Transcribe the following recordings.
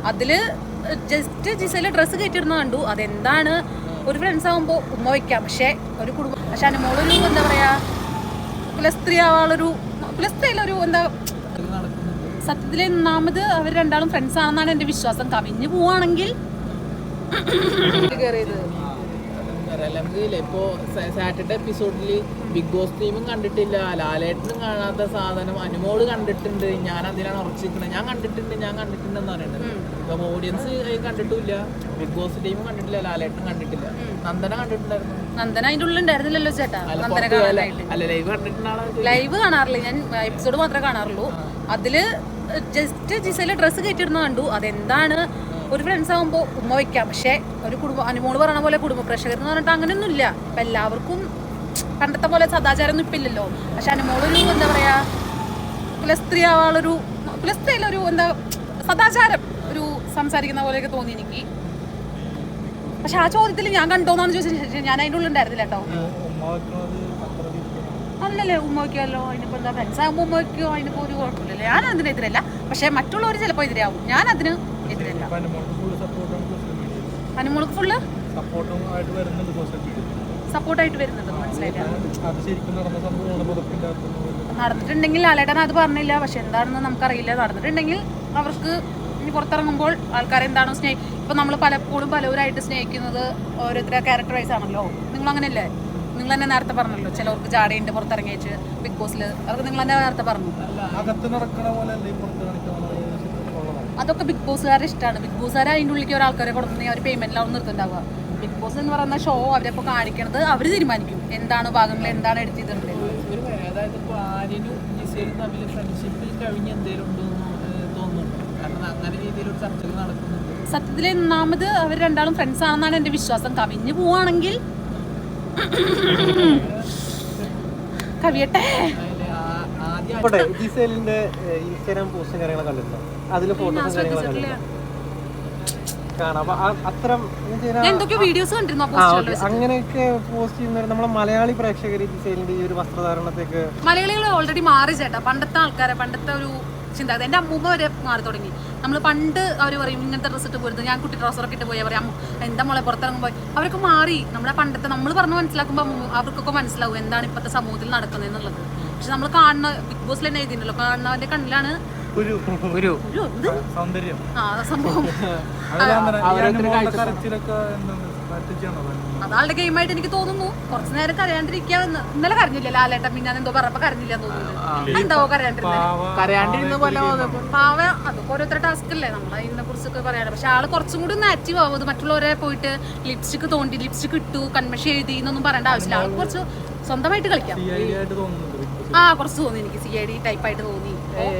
അതില് just ജിസയിലെ dress കയറ്റിടുന്ന കണ്ടു. അതെന്താണ്, ഒരു ഫ്രണ്ട്സ് ആകുമ്പോൾ ഉമ്മ വയ്ക്കാം, പക്ഷെ ഒരു കുടുംബം. പക്ഷെ അനുമോളൊരു എന്താ പറയാ കുലസ്ത്രീ ആവാളൊരു കുലസ്ത്രീയിലൊരു എന്താ സത്യത്തിൽ ഒന്നാമത് അവർ രണ്ടാളും ഫ്രണ്ട്സ് ആണെന്നാണ് എന്റെ വിശ്വാസം. കവിഞ്ഞു പോവാണെങ്കിൽ ഇപ്പോ സാറ്റർഡേ എപ്പിസോഡില് ബിഗ് ബോസ് ടീമും കണ്ടിട്ടില്ല, ലാലേട്ടനും കാണാത്ത സാധനം അനുമോള് കണ്ടിട്ടുണ്ട്. ഞാൻ അതിലാണ് ഉറച്ചിരിക്കുന്നത്. ഞാൻ കണ്ടിട്ടുണ്ടെന്ന് പറയുന്നത്. ഇപ്പൊ ഓഡിയൻസ് കണ്ടിട്ടില്ല, ബിഗ് ബോസ് ടീമും കണ്ടിട്ടില്ല, ലാലേട്ടനും കണ്ടിട്ടില്ല. നന്ദന കണ്ടിട്ടുണ്ടായിരുന്നു. നന്ദന അതിന്റെ ഉള്ളിൽ ഉണ്ടായിരുന്നില്ലല്ലോ ചേട്ടാ. ലൈവ് കാണാറില്ല ഞാൻ, എപ്പിസോഡ് മാത്രമേ കാണാറുള്ളൂ. അതില് ജസ്റ്റ് ജിസയിലെ ഡ്രസ്സ് കയറ്റിടുന്ന കണ്ടു. അതെന്താണ്, ഒരു ഫ്രണ്ട്സ് ആകുമ്പോൾ ഉമ്മ വയ്ക്കാം, പക്ഷെ ഒരു കുടുംബം അനുമോള് പറഞ്ഞ പോലെ കുടുംബ പ്രേക്ഷകർ എന്ന് പറഞ്ഞിട്ട് അങ്ങനെയൊന്നും ഇല്ല. ഇപ്പൊ എല്ലാവർക്കും പണ്ടത്തെ പോലെ സദാചാരം ഒന്നും ഇപ്പില്ലല്ലോ. പക്ഷെ അനുമോളൊരു എന്താ പറയാ കുലസ്ത്രീ ആവാളൊരു കുലസ്ത്രീയിലൊരു എന്താ സദാചാരം ഒരു സംസാരിക്കുന്ന പോലെയൊക്കെ തോന്നി എനിക്ക്. പക്ഷെ ആ ചോദ്യത്തിൽ ഞാൻ കണ്ടോന്നാണ് ചോദിച്ചത്. ഞാൻ അതിൻ്റെ ഉള്ളിൽ ഉണ്ടായിരുന്നില്ല കേട്ടോ. അല്ലല്ലേ, ഉമ്മ വയ്ക്കുമല്ലോ. അതിനിപ്പോൾ എന്താ ഫ്രണ്ട്സ് ആകുമ്പോൾ ഉമ്മ വയ്ക്കുമോ, അതിനിപ്പോൾ ഒരു കുഴപ്പമില്ലല്ലോ. ഞാൻ അതിനെതിരല്ല, പക്ഷെ മറ്റുള്ളവർ ചിലപ്പോൾ എതിരാവും. ഞാൻ അതിന് എതിരല്ല. അനുമോൾക്ക് ഫുള്ള് സപ്പോർട്ടായിട്ട് വരുന്നുണ്ട്. മനസ്സിലായില്ല, നടന്നിട്ടുണ്ടെങ്കിൽ ലാലേട്ടൻ അത് പറഞ്ഞില്ല, പക്ഷെ എന്താണെന്ന് നമുക്കറിയില്ല. നടന്നിട്ടുണ്ടെങ്കിൽ അവർക്ക് ഇനി പുറത്തിറങ്ങുമ്പോൾ ആൾക്കാരെന്താണോ ഇപ്പൊ നമ്മൾ പലപ്പോഴും പലവരായിട്ട് സ്നേഹിക്കുന്നത് ഓരോരുത്തരുടെ ക്യാരക്ടർ വൈസ് ആണല്ലോ. നിങ്ങൾ അങ്ങനെയല്ലേ? നിങ്ങൾ തന്നെ നേരത്തെ പറഞ്ഞല്ലോ, ചിലവർക്ക് ജാടയുണ്ട് പുറത്തിറങ്ങിച്ച് ബിഗ് ബോസിൽ. അവർക്ക് നിങ്ങൾ തന്നെ നേരത്തെ പറഞ്ഞു. അതൊക്കെ ബിഗ് ബോസുകാരുടെ ഇഷ്ടമാണ്. ബിഗ് ബോസുകാർ അതിൻ്റെ ഉള്ളിലേക്ക് ഒരാൾക്കാരെ കൊടുക്കുന്നെങ്കിൽ അവർ പേയ്മെന്റിലാവും നിർത്തുണ്ടാവുക. ബിഗ് ബോസ് എന്ന് പറയുന്ന ഷോ അവരപ്പോൾ കാണിക്കണത് അവർ തീരുമാനിക്കും എന്താണ് ഭാഗങ്ങൾ, എന്താണ് എടുത്ത് ചെയ്തിട്ടുള്ളത്. സത്യത്തിൽ ഒന്നാമത് അവർ രണ്ടാളും ഫ്രണ്ട്സ് ആണെന്നാണ് എന്റെ വിശ്വാസം. കവിഞ്ഞു പോവാണെങ്കിൽ കവിയട്ടെ. ജിസേലിന്റെ ഇൻസ്റ്റാഗ്രാം പോസ്റ്റും കാര്യങ്ങളൊക്കെ കണ്ടിട്ടുണ്ടോ? അതില് ഫോട്ടോസും കാര്യങ്ങളൊക്കെ കാണാം. അങ്ങനെയൊക്കെ പോസ്റ്റ് ചെയ്യുന്ന നമ്മളെ മലയാളി പ്രേക്ഷകർ ജിസേലിന്റെ ഈ ഒരു വസ്ത്രധാരണത്തേക്ക് മലയാളികൾ ഓൾറെഡി മാറി ചേട്ടാ. പണ്ടത്തെ ആൾക്കാരെ, പണ്ടത്തെ ഒരു ചിന്താഗതി എന്റെ അമ്മൂമ്മ വരെ മാറി തുടങ്ങി. നമ്മൾ പണ്ട് അവർ പറയും ഇങ്ങനത്തെ ഡ്രസ്സ് ഇട്ട് പോരുത്, ഞാൻ കുട്ടി ട്രൗസറൊക്കെ ഇട്ട് പോയാൽ പറയാം എന്താ മോളെ പുറത്തിറങ്ങുമ്പോൾ. അവരൊക്കെ മാറി. നമ്മുടെ പണ്ടത്തെ നമ്മൾ പറഞ്ഞ് മനസ്സിലാക്കുമ്പോൾ അവർക്കൊക്കെ മനസ്സിലാവും എന്താണ് ഇപ്പോഴത്തെ സമൂഹത്തിൽ നടക്കുന്നത് എന്നുള്ളത്. പക്ഷെ നമ്മൾ കാണുന്ന ബിഗ് ബോസിൽ തന്നെ എഴുതിയിട്ടുണ്ടല്ലോ, കാണുന്നവന്റെ കണ്ണിലാണ് സംഭവം. അതാളുടെ ഗെയിമായിട്ട് എനിക്ക് തോന്നുന്നു. കുറച്ചു നേരം കരയാണ്ടിരിക്കാന്ന്. ഇന്നലെ കരഞ്ഞില്ല ലാലേട്ടൻ, പിന്നെ എന്തോ പറഞ്ഞപ്പോ കരഞ്ഞില്ല തോന്നുന്നു. എന്താവോ കരയാണ്ടിരുന്നത് പാവ. അതൊക്കെ ഓരോരുത്തരുടെ ടാസ്ക് അല്ലേ, നമ്മൾ അതിനെ കുറിച്ചൊക്കെ പറയാറ്. പക്ഷെ ആള് കുറച്ചും കൂടി ഒന്ന് ആക്റ്റീവ് ആവും. മറ്റുള്ളവരെ പോയിട്ട് ലിപ്സ്റ്റിക് തോണ്ടി ലിപ്സ്റ്റിക് ഇട്ടു കൺമഷി എഴുതി എന്നൊന്നും പറയേണ്ട ആവശ്യമില്ല. ആൾക്ക് കുറച്ച് സ്വന്തമായിട്ട് കളിക്കാം. കുറച്ച് തോന്നി എനിക്ക് CID ടൈപ്പായിട്ട് തോന്നി.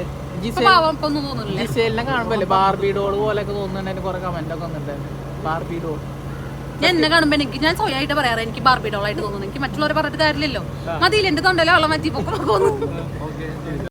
ജിസേലിനെ കാണുമ്പോ ബാർബി ഡോൾ പോലെയൊക്കെ തോന്നുന്നുണ്ട്. കുറെ കമന്റ് ഒക്കെ വന്നിട്ടുണ്ട്. ബാർബി ഡോൾ ഞാൻ എന്നെ കാണുമ്പോ ഞാൻ സ്വയമായിട്ട് പറയാറ് എനിക്ക് ബാർബി ഡോൾ ആയിട്ട് തോന്നുന്നു. എനിക്ക് മറ്റുള്ളവരെ പറഞ്ഞിട്ട് കാര്യമില്ലല്ലോ. മതിയില്ല, എന്റെ തൊണ്ടയിലെ വെള്ളം മാറ്റി പൊക്കെ തോന്നുന്നു.